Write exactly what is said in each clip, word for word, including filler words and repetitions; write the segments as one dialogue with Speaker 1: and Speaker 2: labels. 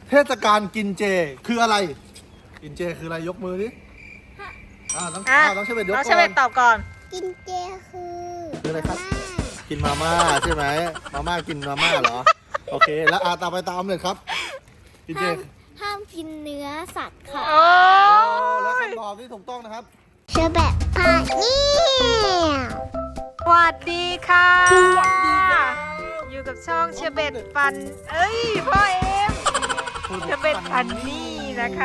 Speaker 1: เทศกาลกินเจคืออะไรกินเจคืออะไรยกมือดิอ่าต้องอ่าต้องเชเบตยกก่อน
Speaker 2: น้องเชเบตตอบก่อน
Speaker 3: กินเจคือ
Speaker 1: คืออะไรครับกินมาม่าใช่ไหมมาม่ากินมาม่าเหรอโอเคแล้วอาตามไปตามเลยครับกินเจ
Speaker 3: ห้ามห้ามกินเนื้อสัตว์ค่ะ
Speaker 2: โอ้
Speaker 1: แล้ว
Speaker 2: ย
Speaker 1: คำตอบที่ถูกต้องนะครับ
Speaker 3: เชอแบบพาเนี่ย
Speaker 2: สวัสดีค่ะ
Speaker 3: สวัสดีค่ะ
Speaker 2: อยู่กับช่องเชเบตฟัน เอ้ยพ่อเอ็มเชเบตฟันนี่นะคะ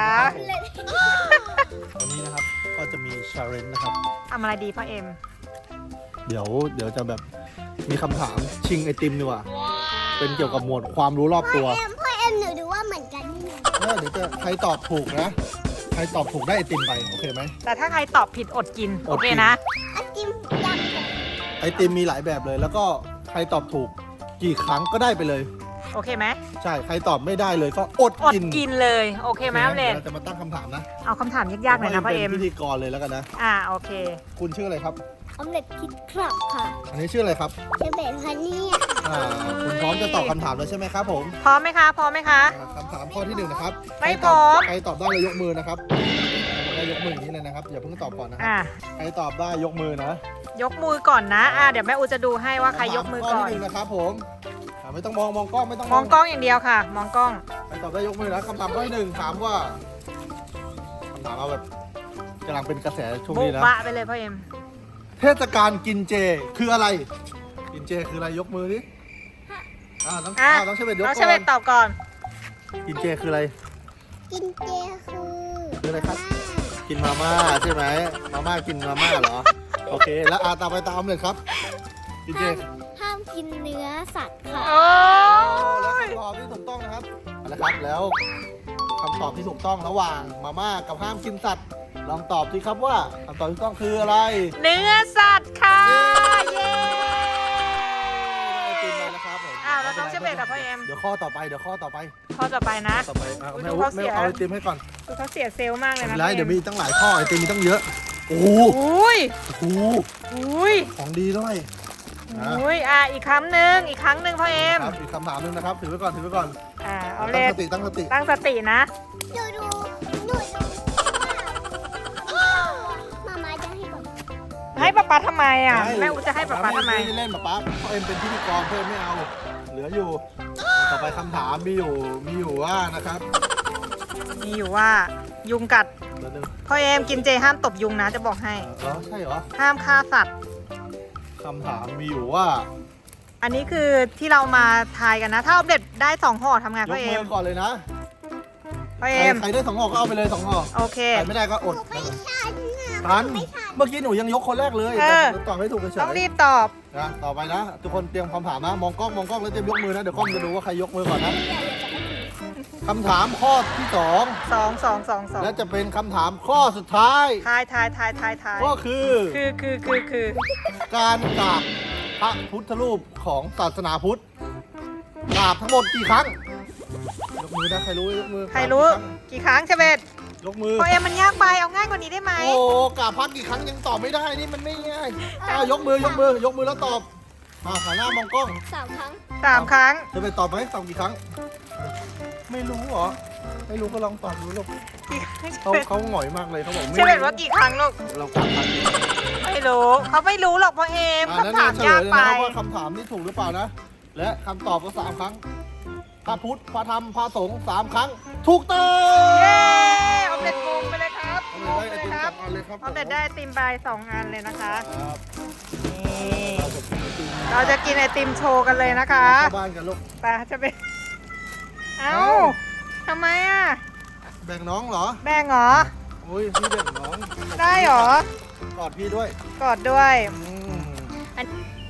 Speaker 1: วันนี้นะครับก็จะมีชาเลนจ์นะครับ
Speaker 2: ทำอะไรดีพ่อเอ็ม
Speaker 1: เดี๋ยวเดี๋ยวจะแบบมีคำถามชิงไอติมดีกว่าเป็นเกี่ยวกับหมวดความรู้รอบตัว
Speaker 3: พ่อเอ็มพ่อเอ็มหนูดูว่าเหมือนกันนี่
Speaker 1: เออเดี๋ยวจะใครตอบถูกนะใครตอบถูกได้ไอติมไปโอเคไหม
Speaker 2: แต่ถ้าใครตอบผิดอดกิน
Speaker 1: อ
Speaker 2: โอ
Speaker 1: ดกิน
Speaker 2: เคนะ
Speaker 3: ไอติมดำกับ
Speaker 1: ไอติมมีหลายแบบเลย แล้วก็ใครตอบถูกกี่ครั้งก็ได้ไปเลย
Speaker 2: โอเคไหม
Speaker 1: ใช่ใครตอบไม่ได้เลยก็อด
Speaker 2: อด
Speaker 1: กิน
Speaker 2: กินเลยโอเคไหมอัปเลน
Speaker 1: เราจะมาตั้งคำถามนะ
Speaker 2: เอาคำถามยากๆหน่อยนะพ่อเอ็ม
Speaker 1: เป็นพิธีกรเลยแล้วกันนะ
Speaker 2: อ่าโอเค
Speaker 1: คุณชื่ออะไรครับ
Speaker 3: ออมเล็ตคิดครับค่ะ
Speaker 1: อันนี้ชื่ออะไรครับ
Speaker 3: เชอแบบพาเนี่ย
Speaker 1: อ่าคุณพร้อมจะตอบคำถามแล้วใช่ไหมครับผม
Speaker 2: พร้อมไหมคะพร้อมไหมคะ
Speaker 1: อ่าคำถามข้อที่หนึ่งนะครับ
Speaker 2: ไม่
Speaker 1: ใคตอบ
Speaker 2: พร้อม
Speaker 1: ใครตอบได้เลยยกมือนะครับได้ยกมืออย่างนี้เลยนะครับอย่าเพิ่งตอบก่อนนะครั
Speaker 2: อ่า
Speaker 1: ใครตอบได้ยกมือนะ
Speaker 2: ยกมือก่อนนะอ่าเดี๋ยวแม่อูจะดูให้ว่าใครยกมือก่อน
Speaker 1: ข้อที่หนึ่งนะครับผมอ่าไม่ต้องมองมองกล้องไม่ต้อง
Speaker 2: มองกล้องอย่างเดียวค่ะ มองกล้อง
Speaker 1: ใครตอบได้ยกมือนะคำถามข้อที่หนึ่งถามว่าคำถามเอาแบบกำลังเป็นกระแสช่วง
Speaker 2: บุ
Speaker 1: นี้
Speaker 2: ก
Speaker 1: นะ
Speaker 2: บะไปเลยพ่อเอ็ม
Speaker 1: เทศกาลกินเจคืออะไร กินเจคืออะไรยกมือดิอ่าต้อง
Speaker 2: อ่ะ
Speaker 1: อ่าต้องเชเบตยก
Speaker 2: น้องเช
Speaker 1: ก่อ
Speaker 2: เบ
Speaker 1: น
Speaker 2: ตตอบก่อน
Speaker 1: กินเจคืออะไร
Speaker 3: กินเจคือ
Speaker 1: คืออะไรครับ กินมาม่าใช่ไหมมาม่ากินมาม่าเหรอโอเคแล้วอาตามไปตามเลยครับกินเจ
Speaker 3: ห้ามห้ามกินเนื้อสัตว์ค่ะ
Speaker 2: โอ้
Speaker 1: แล้ว
Speaker 2: ย
Speaker 1: คำตอบที่ถูกต้องนะครับเอาละครับแล้วคำตอบที่ถูกต้องระหว่างมาม่ากับห้ามกินสัตว์ลองตอบสิครับว่าคำตอบที่ถูกต้องคืออะไร
Speaker 2: เนื้อสัตว์ค่ะ เย้
Speaker 1: ไอติมมาแล้วครับผม
Speaker 2: อ่าแล้วน้องเชเบตกับพ่อเอ็ม
Speaker 1: เดี๋ยวข้อต่อไปเดี๋ยวข้อต่อไป
Speaker 2: ข้อต่อไปนะ
Speaker 1: ต่อไปอ่ะ
Speaker 2: อุ๊ย
Speaker 1: แม่
Speaker 2: ดู
Speaker 1: อุ๊
Speaker 2: เขา
Speaker 1: แม่
Speaker 2: เสีย
Speaker 1: เอาไอติมให้ก่อน
Speaker 2: คือเขาเสียเซลล์มากเลย
Speaker 1: ไม่
Speaker 2: นะ
Speaker 1: เป็นไร
Speaker 2: พ่อ
Speaker 1: เดี๋ยว
Speaker 2: เอ็
Speaker 1: มี
Speaker 2: ม
Speaker 1: ตั้งหลายข้อไอติมมีตั้งเยอะโอ้โห
Speaker 2: อุ้ย
Speaker 1: โอ้โห
Speaker 2: อุ้ย
Speaker 1: ของดีด้วยอ่ะ
Speaker 2: อุ้ยอ่าอีกครั้งหนึ่งอีกครั้งหนึ่งพ่อเอ็ม
Speaker 1: ครับอีกคำถามหนึงนะครับถือไว้ก่อนถือไว้ก่อน
Speaker 2: อ่าเอาเล
Speaker 1: ตั้ง
Speaker 2: ย
Speaker 1: สติตั้งสติ
Speaker 2: ตั้งสตินะ
Speaker 3: ดูดูหนูดูมามาจะให้บอก
Speaker 2: ให้ป๊าป๊าทำไมอ่ะแม่อูจะให้ป๊าป๊าทำไม
Speaker 1: ไม่ได้เล่นป๊าป๊าเพราะเอ็มเป็นพิธีกรเพิ่มไม่เอา เหลืออยู่ ต่อไปคำถามมีอยู่มีอยู่ว่านะครับ
Speaker 2: มีอยู่ว่ายุงกัด
Speaker 1: เดี๋ยวหนึง
Speaker 2: พ่อเอ็มกินเจห้ามตบยุงนะจะบอกให้
Speaker 1: เออเหรอใช่เหรอ
Speaker 2: ห้ามฆ่าสัตว์
Speaker 1: คำถามมีอยู่ว่า
Speaker 2: อันนี้คือที่เรามาทายกันนะ ถ้าอัปเดตได้สองห่อทำไง
Speaker 1: ย
Speaker 2: พ่อก เอ็
Speaker 1: มื
Speaker 2: ม
Speaker 1: อก่อนเลยนะ
Speaker 2: พ่อ
Speaker 1: ใคร
Speaker 2: เอ็ม
Speaker 1: ใครได้สองห่อก็เอาไปเลยสองห่อ
Speaker 2: โอเค
Speaker 1: ใครไม่ได้ก็อด
Speaker 3: ไม่ทันอ่ะ
Speaker 1: ทัน
Speaker 3: ไม่ทัน
Speaker 1: เมื่อกี้หนูยังยกคนแรกเลย
Speaker 2: เออ
Speaker 1: แต่ตอบไม่ถูกเฉย
Speaker 2: ต้อง
Speaker 1: ๆ
Speaker 2: รีบตอบ
Speaker 1: นะต่อไปนะ ทุกคนเตรียมคำถามนะ มองกล้องมองกล้องแล้วเตรียมยกมือนะ เดี๋ยวกล้องจะดูว่าใครยกมือก่อนนะคำถามข้อที่สอง
Speaker 2: สองสองสองสอง
Speaker 1: และจะเป็นคำถามข้อสุดท้าย
Speaker 2: ทายทายทายทายทาย
Speaker 1: ก็คือ
Speaker 2: คือคือคือคือ
Speaker 1: การกราบพระพุทธรูปของศาสนาพุทธกราบทั้งหมดกี่ครั้ง ยกมือนะใครรู้ยกมือ
Speaker 2: ใครรู้
Speaker 1: กาบ
Speaker 2: กี่ครั้งเชเบต
Speaker 1: ยกมือ
Speaker 2: พ่อเอ็มมันยากไปเอาง่ายกว่านี้ได้ไหม
Speaker 1: โอ้กราบพระกี่ครั้งยังตอบไม่ได้นี่มันไม่ง่ายอ้าวยกมือยกมือยกมือแล้วตอบมาหันหน้ามองกล้อง
Speaker 3: สามครั้ง
Speaker 2: สามครั้ง
Speaker 1: จะไปตอบไหมตอบกี่ครั้ง ไม่รู้เหรอไม่รู้ก็ลองตอบดูลูก
Speaker 2: กี่ครั้ง
Speaker 1: เขาเขาหงอยมากเลยเขาบอก
Speaker 2: เช
Speaker 1: ไม่
Speaker 2: เบตว่ากี่ครั้งลูก
Speaker 1: เรากราบพระกี่ครั้ง
Speaker 2: ไม่รู้เขาไม่รู้หรอกพ่อเอ็ม
Speaker 1: อ่านั่น
Speaker 2: คำถาม
Speaker 1: เฉล
Speaker 2: ยาย ก
Speaker 1: เลย
Speaker 2: ไป
Speaker 1: นะครับว่าคำถามนี่ถูกหรือเปล่านะ และคำตอบก็สามครั้ง พระพุทธ พระธรรม พระสงฆ์สามครั้ง ถูกต้อง
Speaker 2: เย้ออมเด็ดงงไปเลยครับงง
Speaker 1: ได้
Speaker 2: ไป
Speaker 1: ไอ
Speaker 2: เลย
Speaker 1: ติม
Speaker 2: ค
Speaker 1: ส
Speaker 2: รั
Speaker 1: อบ งอันเลยครับ
Speaker 2: ออมเด็ดได้ไอติมใบสองอันเลยนะคะ
Speaker 1: ครับ
Speaker 2: นี่
Speaker 1: เราจะกินไอติม
Speaker 2: เราจะกินไอติมโชว์กันเลยนะคะ
Speaker 1: เข้าบ้านกันลูก
Speaker 2: ไปจะเป็นเอ้า
Speaker 1: เอ้า
Speaker 2: ทำไมอ่ะ
Speaker 1: แบ่งน้องเหรอ
Speaker 2: แบ่งเหรอ
Speaker 1: อุ้ยพี่แบ่งน้อง
Speaker 2: ได้เหรอ
Speaker 1: กอดพี่ด้วย
Speaker 2: กอดด้วย
Speaker 1: อืม
Speaker 2: อัน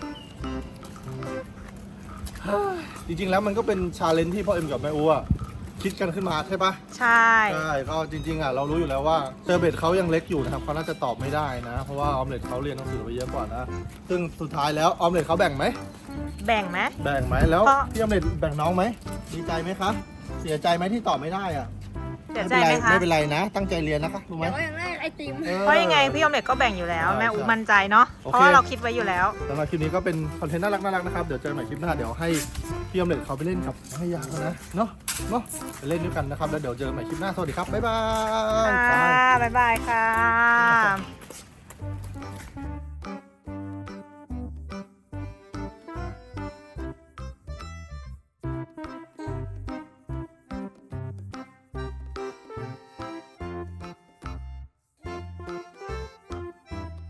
Speaker 1: จริงๆแล้วมันก็เป็นชาเลนจ์ที่พ่อเอ็มกับแม่อูอะคิดกันขึ้นมาใช่ปะ
Speaker 2: ใช่
Speaker 1: ใช่ก็จริงๆอ่ะเรารู้อยู่แล้วว่าเซอร์เบตเขายังเล็กอยู่นะครับเขาน่าจะตอบไม่ได้นะ เพราะว่าออมเล็ตเขาเรียนหนังสือไปเยอะกว่านะ ซึ่งสุดท้ายแล้วออมเล็ตเขาแบ่งไหม
Speaker 2: แบ่งไหม
Speaker 1: แบ่งไหมแล้ว
Speaker 2: เพราะ
Speaker 1: พี่ออมเล็ตแบ่งน้องไหมดีใจไหมคะเสียใจไหมที่ตอบไม่ได้อ่ะ
Speaker 2: เสียใจ
Speaker 1: ไม่
Speaker 2: ไหม
Speaker 1: เป็นไร
Speaker 2: คะ
Speaker 1: ไม่เป็นไรนะ ตั้งใจเรียนนะคะรู้ไหม
Speaker 3: แต่ว่าอย่างแรกไอติม
Speaker 2: เพราะยังไงพี่ออมเล็ตก็แบ่งอยู่แล้ว
Speaker 1: ใช่
Speaker 2: แม่อู
Speaker 1: ใช่
Speaker 2: มั่นใจเนาะ
Speaker 1: โอเค
Speaker 2: เพราะว่าเราคิดไว้อยู่แล้ว
Speaker 1: สำหรับคลิปนี้ก็เป็นคอนเทนต์น่ารักน่ารักนะครับ เดี๋ยวเจอกันใหม่คลิปหน้า เดี๋ยวให้พี่ออมเล็ตเขาไปเล่นกับแม่ยานะ เนาะ เนาะไปเล่นด้วยกันนะครับ แล้วเดี๋ยวเจอกันใหม่คลิปหน้า สวัสดีครับ บ๊ายบาย
Speaker 2: ค่ะ บ๊ายบายค่ะ